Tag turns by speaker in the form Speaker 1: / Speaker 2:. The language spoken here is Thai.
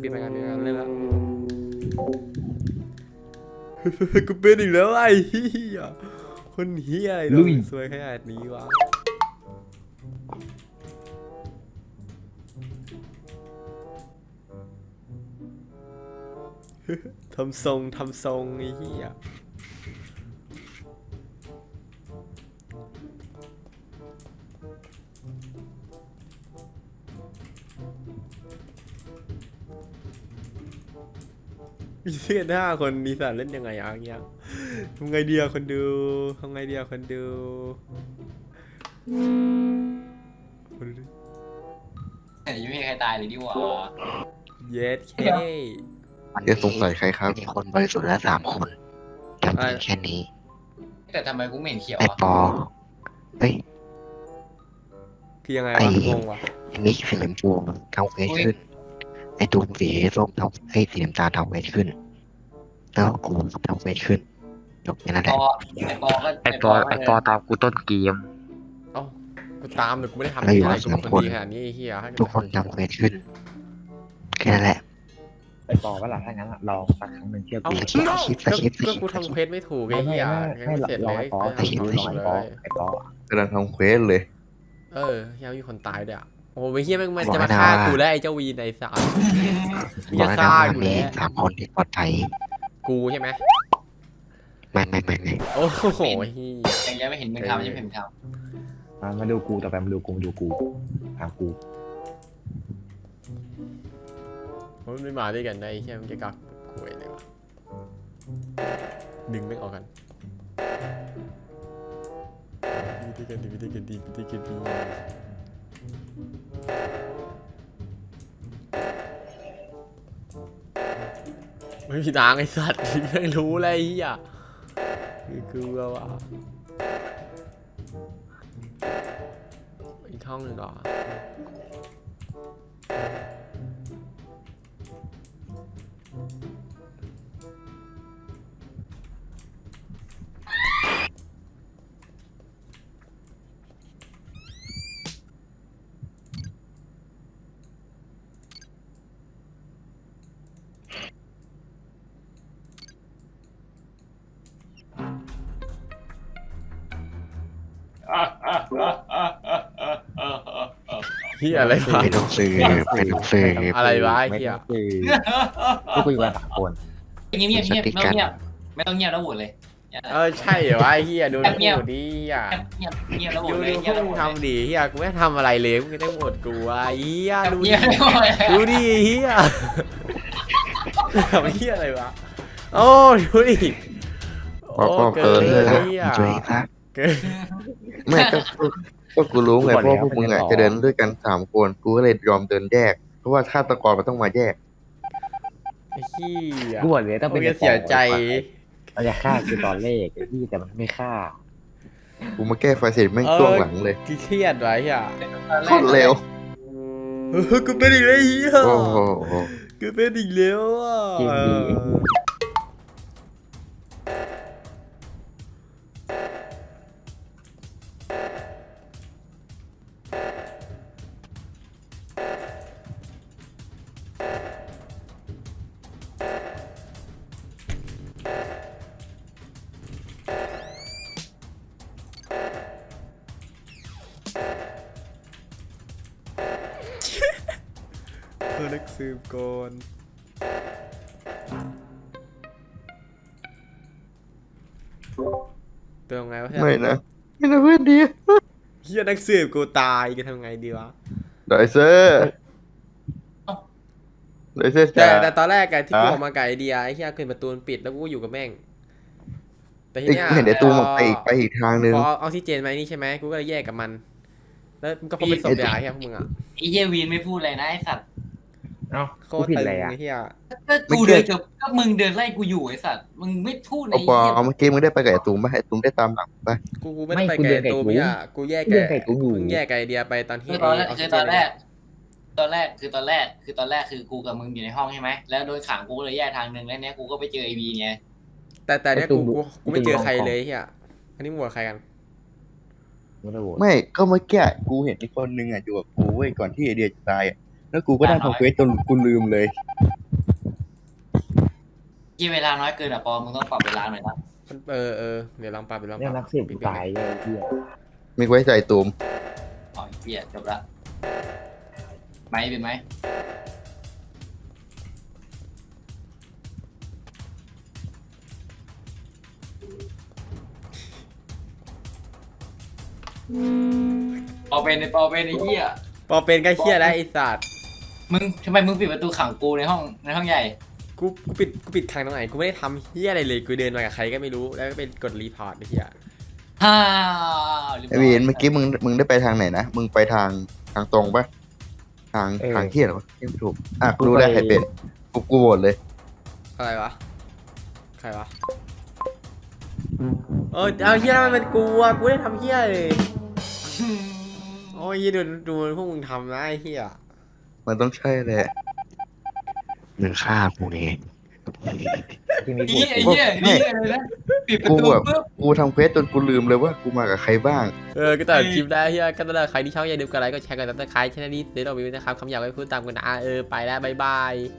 Speaker 1: ปิดไปกันเริ่มแล้วกูเป็นอีกแล้วไอ้เหี้ยคนเหี้ยอะไรโดนซวยขนาดนี้วะทำทรงไอ้เหี้ยมีเพื่อน5 คนมีสารเล่นยังไงอย่างเงี้ยทำไงเดียคนดูทำไงเดียคนดู
Speaker 2: ยังไม่มีใครตายเลยดิวะ
Speaker 1: เย็ดเค
Speaker 3: จะสงสัยใครครับ
Speaker 4: มีคนบริสุทธิ์ละ3 คนจำเป็นแค่นี้
Speaker 2: แต่ทำไมกูไม่เห็นเขียว
Speaker 4: ไอ้
Speaker 2: อ่ะ
Speaker 4: ปอเฮ้ย
Speaker 1: คือยังไง
Speaker 4: ไอ้
Speaker 1: วะงงวะ
Speaker 4: มิกสีเหลืองพวงทำเวทขึ้น ไอ้ตูมสีส้มทำสีน้ำตาลทำเวทขึ้น แล้วกูทำเวทขึ้นจบแค่นั้นแห
Speaker 2: ป
Speaker 4: ละ
Speaker 2: อไอปอก็
Speaker 5: ไอปอตามกูต้นเกม
Speaker 1: เอ้ากูตามแต่กูไม่ได้ทำอะไรกูเป็นคนดีขนาดนี้ไอ้เหี้ย
Speaker 4: ทุกคนทำเวทขึ้นแค่นั้นแหละ
Speaker 5: ไอปอว่าหล่ะถ้างั้นอะลองสักครั้งหนึ่งเชื่อ
Speaker 1: เอ้า
Speaker 5: กู
Speaker 1: ก็กูทำเควสไม่ถูกไอ้เหี้ยยังไม่เสร็จ
Speaker 5: ล
Speaker 1: เล
Speaker 5: องไอย ปอ
Speaker 1: ก็
Speaker 5: ลอง
Speaker 1: ทำ
Speaker 5: ไอปอ
Speaker 1: เลย
Speaker 5: ไอปอก
Speaker 3: ำลังทำเควสเลย
Speaker 1: ยังมีคนตายด้วยอ่ะโอ้ยเฮียมันจะมาฆ่ากูแล้วไอ้เจ้าวีในสาร
Speaker 4: บ
Speaker 1: จะ
Speaker 4: อกแล้วนะ
Speaker 1: ฆ่า
Speaker 4: ว่า
Speaker 1: กู
Speaker 4: มี
Speaker 1: แล้ว
Speaker 4: 3 คนที่ปลอดภัย
Speaker 1: กูใช่ไหม
Speaker 4: ไม่
Speaker 1: โอ้โหเฮีย
Speaker 2: ยังไม่เห็นมึงทำยังไม่เห็นมึงท
Speaker 5: มาดูกูต่อไปมาดูกูถามกู
Speaker 1: มันไม่มาด้วยกันได้ไอ้เฮียมันจะกักคุยเลยวะดึงไม่ออกกันวิธีการดีไม่มีทางไอ้สัตว์ไม่รู้เลยไอ้เฮียคือว่าอีกห้องหนึ่งเหรอเฮียอะไรวะ
Speaker 4: ไม่ต้องซื้อไม่ต้องซื้อ
Speaker 1: อะไรวะไอ้
Speaker 5: ไม่
Speaker 1: เฮีย
Speaker 5: ต้องคือพวกกูอยู่กัน3 คน
Speaker 2: ำเงียบไม่ต้องเงียบไม่ต้องเงียบแล้วโหวตเลย
Speaker 1: ใช่เหรอวะไอ้เฮียดู
Speaker 2: เงียบ
Speaker 1: ดูดิเฮีย
Speaker 2: เงียบแล้วโหว
Speaker 1: ดู
Speaker 2: ตเลย
Speaker 1: ดู
Speaker 2: เงียบ
Speaker 1: พว
Speaker 2: แล้ว
Speaker 1: ก
Speaker 2: โห
Speaker 1: มึ
Speaker 2: ว
Speaker 1: ง
Speaker 2: ตเลย
Speaker 1: ทำดิเฮียกูไม่ทำอะไรเลยมึงก็ได้หมดกูวะเฮียดู
Speaker 2: เงี
Speaker 1: ดิ
Speaker 2: ยบแล้วโหวตเลย
Speaker 1: ดูดิเฮียทำเฮียอะไรวะโอ้ดูดิโอ้เกิน
Speaker 4: เออ
Speaker 1: เฮีย
Speaker 4: ช่วยซะ
Speaker 1: เกิน
Speaker 3: ไม่ก็กูรู้ไงเพราะพวกมึงอ่ะจะเดินด้วยกัน3 คนกูก็เลยยอมเดินแยก เพราะว่าฆาตกรมันต้องมาแยก
Speaker 1: ไอ้เฮีย
Speaker 5: กูบอกเลยต้อง
Speaker 1: มึ
Speaker 5: เป็น
Speaker 1: งจะเสียใจ
Speaker 5: มันจะฆ่ากูตอนเลขไอ้ที่แต่มันไม่ฆ่า
Speaker 3: กูมาแก้ไฟเสร็จแม่งช่วงหลังเลย
Speaker 1: เครียดไว้เฮีย
Speaker 3: โคตรเร็ว
Speaker 1: กูเป็นอีกแล้วเฮีย
Speaker 3: โอ้โห
Speaker 1: กูเป็นอีกแล้วอ่ะ
Speaker 5: จริงดีไอ้เหี้ย
Speaker 1: นักสืบก่อนเติมไงวะเฮีย
Speaker 3: ไม่นะไม่นะเพื่อนดี
Speaker 1: เฮียนักสืบกูตายจะทำไงดีวะ
Speaker 3: ไดเซอร์ไดเซอร์
Speaker 1: แต่
Speaker 3: จ้า
Speaker 1: แต่ตอนแรกอะที่กู
Speaker 3: อะ
Speaker 1: ออกมาไก่เดียไอ้เฮียขึ้นประตูปิดแล้วกูก็อยู่กับแม่งแต่ที
Speaker 3: อีก
Speaker 1: เนี้ย
Speaker 3: เห็นไอ้ตูมออกไปอีกทางนึง
Speaker 1: พอเอาออกซิเจนมานี่ใช่ไหมกูก็เลยแยกกับมัน แล้วมันก็พบเป็นศพยาเฮียพวกมึงอะ
Speaker 2: ไอ้เหี้ยวีนไม่พูดอะไรนะไอ้สัตว์
Speaker 5: เอ้า
Speaker 1: โค
Speaker 5: กู
Speaker 1: ตร
Speaker 5: ผิด
Speaker 1: ตึง
Speaker 5: อะไรอ่ะ
Speaker 1: ไอ้เฮีย
Speaker 2: ก็กูเดินก็มึงเดินไล่กูอยู่ไอ้สัตว์มึงไม่พูดใน
Speaker 3: เอาปอเอาเมื่อกี้มึงได้ไปกับไอ้ตูมป่ะไอ้ตูมได้ตามหลังป่ะ
Speaker 1: กูไม่ได้ไปไก่ตูพี่อะกูแยกไก่กูเพิ่งแยกไก่เดียไปตอนที่
Speaker 2: คือ
Speaker 1: ไอ้
Speaker 2: ตอนแรก
Speaker 1: ออก
Speaker 2: คื
Speaker 1: ซิ
Speaker 2: อ
Speaker 1: เจ
Speaker 2: ตอน นแรกตอนแรกคือกูกับมึงอยู่ในห้องใช่ไหมแล้วโดยขังกูเลยแยกทางหนึ่งแล้วเนี้ยกูก็ไปเจอไอวีไง
Speaker 1: แต่เนี้ยกูไม่เจอใครเลยเฮียอันนี้มึงโหวตใครกัน
Speaker 5: ไม่ได้โหวต
Speaker 3: ไม่ก็เมื่อกี้กูเห็นอีกคนนึงอ่ะอยู่กับกูเว้ยก่อนที่ไอเดียจะตายอ่ะแล้วกูก็ได้ทำเควสจนกูลืมเลย
Speaker 2: กี่เวลาน้อยเกินอ่ะปอมึงต้องปรับเวลาหน่อยนะ
Speaker 1: เดี๋ยวลองปรับเดี๋ยวลองป
Speaker 5: เนี่ย
Speaker 1: รับ
Speaker 5: นักสืบกูตายเลยไอ้เหี้ย
Speaker 3: มีไว้ใจตูม
Speaker 2: อ๋อเหี้ยจบละไหมเป็นไหมปอเป็นไอ้ปอเป็นไอ้เหี้ย
Speaker 1: พอเป็นก็เฮียแล้วไอ้สัตว์
Speaker 2: มึงทำไมมึงปิดประตูขังกูในห้องใหญ่
Speaker 1: กูปิดทางตรงไหนกูไม่ได้ทำเฮียอะไรเลยกูเดินมากับใครก็ไม่รู้แล้วก็เป็นกดรีพอร์ตไอ้เฮีย
Speaker 2: ฮ่าวรียบร้
Speaker 3: ไอ้
Speaker 2: ย
Speaker 3: วีนเมื่อกี้มึงได้ไปทางไหนนะ มึงไปทางตรงปะทางเที่ยหรอวะไม่ถูก อ่ะกูรู้ได้ใครเป็น กูโหวตเลย
Speaker 1: อะไรวะใครวะเอาเฮียแล้วมันเป็นกูอะกูได้ทำเฮียเลยโอ้ยเหี้ยดูพวกมึงทำนะไอ้เฮีย
Speaker 3: มันต้องใช่แหละ
Speaker 4: มึงฆ่ากูเอง
Speaker 5: ที่มี
Speaker 2: ไอ้เหี้ยนี่อะไรนะปิดประ
Speaker 3: กู
Speaker 2: ตู
Speaker 3: แบบ
Speaker 2: ปุ๊บ
Speaker 3: กูทำเควสจนกูลืมเลยว่ากูมากับใครบ้าง
Speaker 1: ก็ตัดคลิปได้เฮียก็ตัดใครที่ชอบอย่าลืมกดไลค์กดแชร์กดซับสไครต์ช่องนี้เดี๋ยวเรามีนะครับคำอยากไว้พูดตามกันนะไปแล้วบ๊ายบาย